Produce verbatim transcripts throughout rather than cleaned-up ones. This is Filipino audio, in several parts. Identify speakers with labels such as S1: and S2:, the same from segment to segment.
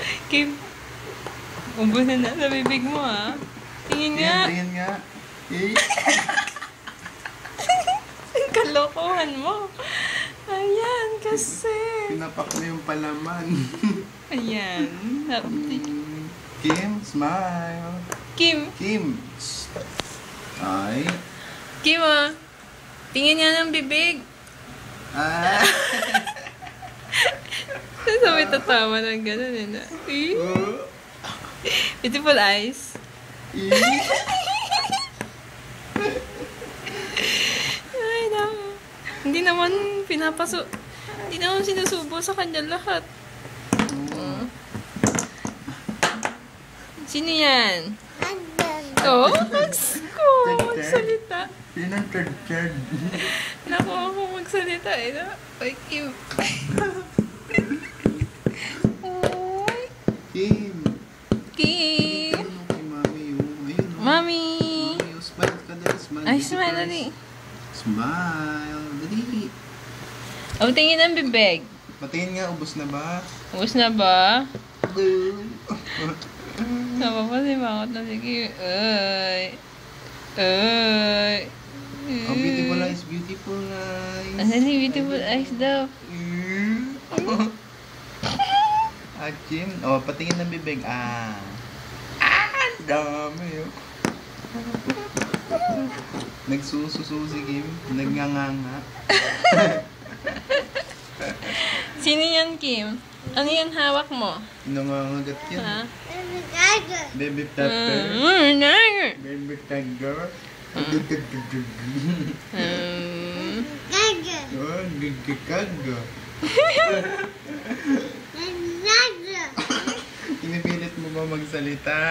S1: Kim, ubos na na sa bibig mo, ha? Tingin nga.
S2: Tingin nga. Eh.
S1: Ang kalokohan mo. Ayan, kasi.
S2: Pinapak mo yung palaman.
S1: Ayan.
S2: Mm, Kim, smile.
S1: Kim.
S2: Kim. Ay.
S1: Kim, ah. Tingin nga ng bibig.
S2: Ah.
S1: Sabi tatawa ng gano'n, eh, na.
S2: Oh.
S1: Beautiful eyes.
S2: Eh.
S1: Ay, naku. Hindi naman pinapaso... Hindi naman sinusubo sa kanya lahat. Uh. Sino yan? Oo, oh, magsko. Magsalita.
S2: Yun ang third-third.
S1: Naku, ako magsalita eh. No? Ay, Kim. Oy.
S2: Kim.
S1: Kim.
S2: Ano kay mami yung... Ayun, oh.
S1: Mami.
S2: Mami, oh, smile ka dali. Smile.
S1: Ay,
S2: Dito
S1: smile,
S2: first.
S1: dali.
S2: Smile. Dali.
S1: O, tingin ang bibig.
S2: Patingin nga, ubos na ba?
S1: Ubus na ba? Napapasimangot na si Kim. Ay. Ay.
S2: Oh, beautiful eyes, beautiful eyes.
S1: Asan si beautiful eyes daw?
S2: Ah, Kim. Oh, patingin ng bibig. Ah. Ah, ang dami, oh. Nagsususo si Kim. Nagnganganga.
S1: Sino yan, Kim? Ano yung hawak mo?
S2: Nangangagat yan.
S1: Ha?
S2: Baby tiger.
S1: Mm, tiger.
S2: Baby tiger.
S1: Mm.
S2: Oh, gigikaga. Pinipilit mo ba magsalita?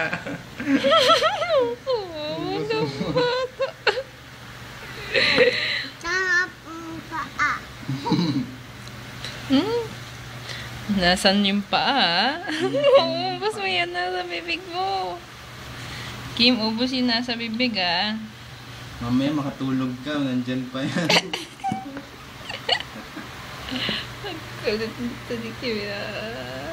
S1: Oo, bata. Hmm? Nasaan yung paa? Ubus mo yan nasa bibig mo. Kim, ubus yung nasa bibig, ah.
S2: Mamaya makatulog ka, nandyan pa yan.
S1: Kulit nito ni Kim, ah.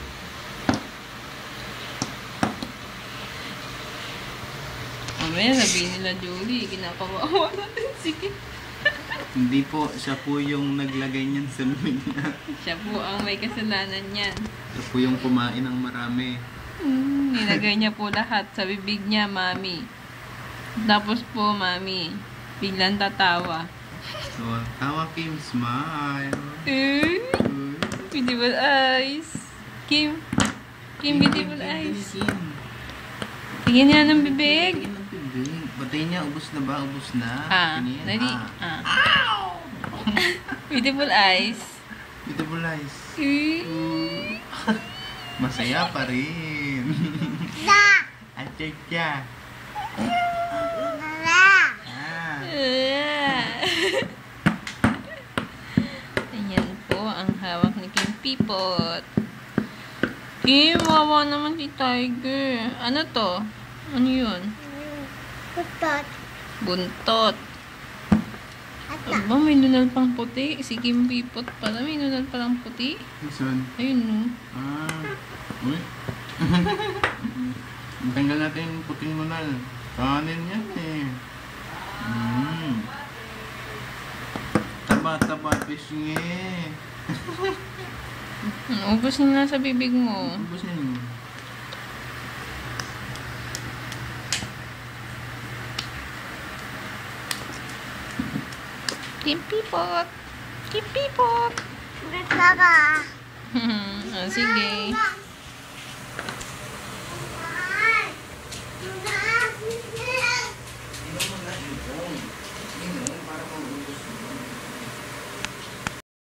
S1: Mamaya sabihin nila, Julie, kinakawawa natin si Kim.
S2: Hindi po, siya po yung naglagay niyan sa bibig niya.
S1: Siya po ang may kasalanan niyan.
S2: Siya po yung kumain ng marami.
S1: Hmm, nilagay niya po lahat sa bibig niya, mami. Tapos po, mami, biglang tatawa.
S2: So, tawa Kim, smile.
S1: Eh, beautiful eyes. Kim, Kim, beautiful eyes.
S2: Kim.
S1: Tingin niya ng bibig.
S2: Tingin ng bibig. Batay niya, ubos na ba? Ubos na?
S1: Ah,
S2: Tingin.
S1: dali.
S2: Ah.
S1: Ah. Beautiful eyes.
S2: Beautiful eyes.
S1: Eh.
S2: Masaya pa rin. At siya. Ah.
S1: Ayan po ang hawak ni Kim Pipot. Kim, wawa naman si Tiger. Ano to? Ano yun?
S3: Buntot.
S1: Buntot. Aba, may nunal pang puti. Si Kim Pipot pala, may nunal palang puti.
S2: Saan?
S1: Ayun, no?
S2: Ah. Uy. Tanggal natin yung puting munal. Kanin yan eh. Mm. Taba-taba fishing eh.
S1: Ubus na sa bibig mo.
S2: Ubusin mo.
S1: Kim Pipot. Kim Pipot.
S3: Baka.
S1: Ah, sige.